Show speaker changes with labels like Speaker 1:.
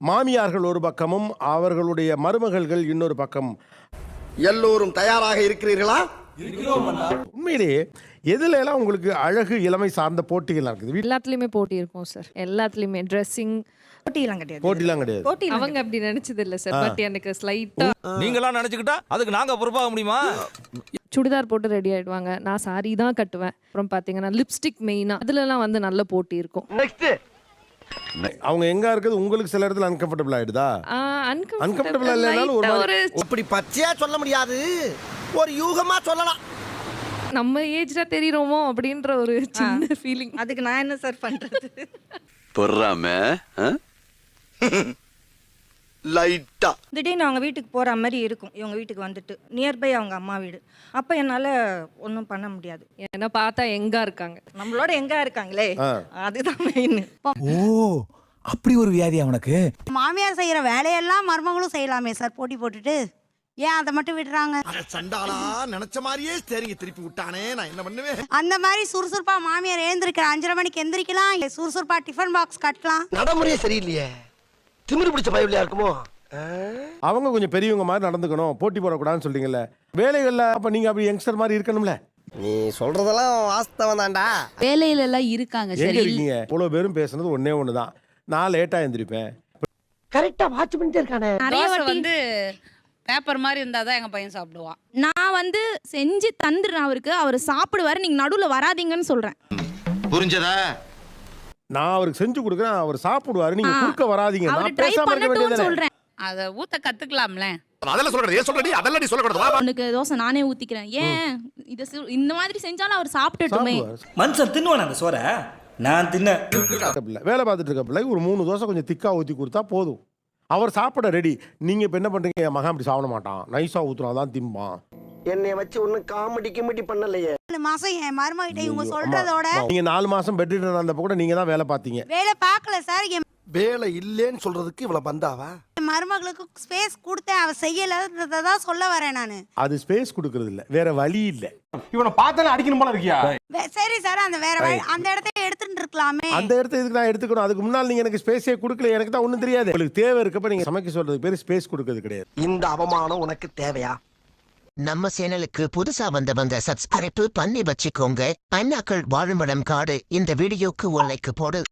Speaker 1: மாமியார்கள் ஒரு பக்கமும் அவர்களுடைய மருமகள்கள் இன்னொரு பக்கம்.
Speaker 2: எல்லோரும் தயாராக இருக்கிறீர்களா?
Speaker 1: உண்மையிலேயே எதுல எல்லாம் உங்களுக்கு அழகு இளமை சார்ந்த போட்டிகள் இருக்குது?
Speaker 3: எல்லாத்துலயுமே போட்டி இருக்கும் சார். எல்லாத்துலயுமே ட்ரெஸ்ஸிங்
Speaker 1: போட்டிலாம் கிடையாது.
Speaker 3: அவங்க அப்படி நினைச்சது இல்ல சார். பட் எனக்கு ஸ்லைட்டா
Speaker 4: நீங்களாம் நினைச்சுக்கிட்டா அதுக்கு நாங்க பொறுப்பாக முடியுமா?
Speaker 3: சுடிதார் போட்டு ரெடி ஆயிடுவாங்க. நான் சாரி தான் கட்டுவேன். அப்புறம் பாத்தீங்கன்னா லிப்ஸ்டிக் மெயினா அதுலலாம் வந்து நல்ல போட்டி இருக்கும்.
Speaker 1: அவங்க எங்க இருக்குது உங்களுக்கு சில இடத்துல அன்கம்ஃபர்டபிள் ஆயிடுதா? அன்கம்ஃபர்டபிள் இல்லனாலும் ஒரு
Speaker 2: அப்படி பச்சையா சொல்ல முடியாது, ஒரு யூகமா சொல்லலாம்.
Speaker 3: நம்ம ஏஜ்ல தெரியுறோமோ அப்படின்ற ஒரு சின்ன ஃபீலிங்.
Speaker 5: அதுக்கு நான் என்ன சார் பண்றது?
Speaker 6: பொறாம லைட்டா
Speaker 5: திடீர்னு அவங்க வீட்டுக்கு போற மாதிரி இருக்கும். இவங்க வீட்டுக்கு வந்துட்டு நியர்பை அவங்க அம்மா வீடு. அப்ப என்னால ஒன்றும் பண்ண முடியாது.
Speaker 3: ஏன்னா பார்த்தா எங்க இருக்காங்க,
Speaker 5: நம்மளோட எங்க இருக்காங்களே, அதுதான் மெயின்.
Speaker 7: ஓ, அப்படி ஒரு வியாதி அவனுக்கு.
Speaker 8: மாமியார் செய்யற வேலையெல்லாம் மருமகளும் செய்யலாமே சார், போட்டி போட்டுட்டு ஏன் அதை மட்டும் விடுறாங்க?
Speaker 2: சண்டாளா நினைச்ச மாதிரியே சரிங்க திருப்பி விட்டானே, நான் என்ன பண்ணுவேன்?
Speaker 8: அந்த மாதிரி சுறுசுறுப்பா மாமியார் எழுந்திருக்கிற 5:30 மணிக்கு எந்திரிக்கலாம், சுறுசுறுப்பா டிஃபன் பாக்ஸ் கட்டலாம்.
Speaker 2: நடைமுறையே சரியில்லையே, திமிரு பிடிச்ச பயவில்லையா இருக்குமோ?
Speaker 1: அவங்க கொஞ்சம் பெரியவங்க மாதிரி நடந்துக்கணும், போட்டி போடக்கூடாதுன்னு சொல்றீங்கல்ல வேலைகள்ல. அப்ப நீங்க அப்படி யங்ஸ்டர் மாதிரி இருக்கணும்ல.
Speaker 2: நீ சொல்றதெல்லாம் வாஸ்தவம் தான்டா.
Speaker 9: வேலையில எல்லாம் இருக்காங்க.
Speaker 1: எங்க இருக்கீங்க? இவ்வளவு பேரும் பேசுனது ஒன்னே ஒண்ணுதான், நான் லேட்டா எந்திரிப்பேன்.
Speaker 2: கரெக்டா வாட்ச் பண்ணிட்டே இருக்கானே.
Speaker 9: நிறைய வந்து பேப்பர் மாதிரி இருந்தாதான் எங்க பையன் சாப்பிடுவான்.
Speaker 10: நான் வந்து செஞ்சு தந்துடுறேன் அவருக்கு, அவர் சாப்பிடுவாரு, நீங்க நடுவுல வராதீங்கன்னு சொல்றேன்.
Speaker 6: புரிஞ்சதா?
Speaker 1: நான் அவருக்கு செஞ்சு கொடுக்குறேன், அவர் சாப்பிடுவாரு, நீங்க குறுக்க வராதீங்க.
Speaker 10: அவர்
Speaker 1: நான்
Speaker 10: ட்ரை
Speaker 1: பேசாம இருக்க
Speaker 10: பண்ணட்டும்னு
Speaker 1: வேண்டியது.
Speaker 10: சொல்றேன்.
Speaker 9: அத ஊத்த கத்துக்கலாம்ல.
Speaker 6: அதெல்லாம் சொல்றேன், ஏன் சொல்றடி? அதெல்லாம் நீ சொல்லக்கூடாது.
Speaker 10: உனக்கு தோசை நானே ஊத்திக்கிறேன். ஏன் இந்த மாதிரி செஞ்சாலும் அவர் சாப்பிட்டுட்டுமே.
Speaker 7: மனுஷன் தின்னுவான அந்த சோற? நான் தின்ன
Speaker 1: வேலை பார்த்துட்டு இருக்க பிள்ளை ஒரு 3 தோசை கொஞ்சம் திக்கா ஊத்தி கொடுத்தா போதும், அவர் சாப்பிட ரெடி. நீங்க இப்ப என்ன பண்றீங்க? என் மகன் அப்படி சாப்பிட மாட்டான், நைஸா ஊத்துனாதான் திம்பான்.
Speaker 2: என்னைய வச்சு ஒன்னும் காமெடி கிமெடி பண்ணலையே.
Speaker 8: 4 மாசம் என் மருமகிட்ட இவங்க சொல்றதோட
Speaker 1: நீங்க 4 மாசம் பெட்ரீட் அந்த கூட நீங்க தான் வேலை பார்த்தீங்க.
Speaker 8: வேலை பார்க்கல சார். என்
Speaker 2: வேலை இல்லேன்னு சொல்றதுக்கு இவ்வளவு பந்தாவா?
Speaker 8: மருமகளுக்கு ஸ்பேஸ் கொடுத்தேன், அவ செய்யலதான் சொல்ல வரேன் நானு.
Speaker 1: அது ஸ்பேஸ் கொடுக்கறது இல்ல, வேற வழி இல்ல.
Speaker 7: இவனை பார்த்தாலே அடிக்கணும் போல இருக்கியா?
Speaker 8: சரி சார், அந்த வேற வழி அந்த இடத்த எடுத்துட்டு இருக்கலாமே.
Speaker 1: அந்த இடத்த இதுக்கு நான் எடுத்துக்கணும். அதுக்கு முன்னால நீங்க எனக்கு ஸ்பேஸே கொடுக்கல, எனக்கு தான் ஒண்ணும் தெரியாது. உங்களுக்கு தேவை இருக்கப்ப நீங்க சமைக்க சொல்றது பேரு ஸ்பேஸ் கொடுக்கறது கிடையாது.
Speaker 2: இந்த அவமானம் உனக்கு தேவையா?
Speaker 11: நம்ம சேனலுக்கு புதுசா வந்தவங்க சப்ஸ்கிரைப் பண்ணி வச்சுக்கோங்க. அண்ணாக்கள் வாழுமிடம் காடு இந்த வீடியோக்கு ஒரு லைக் போடு.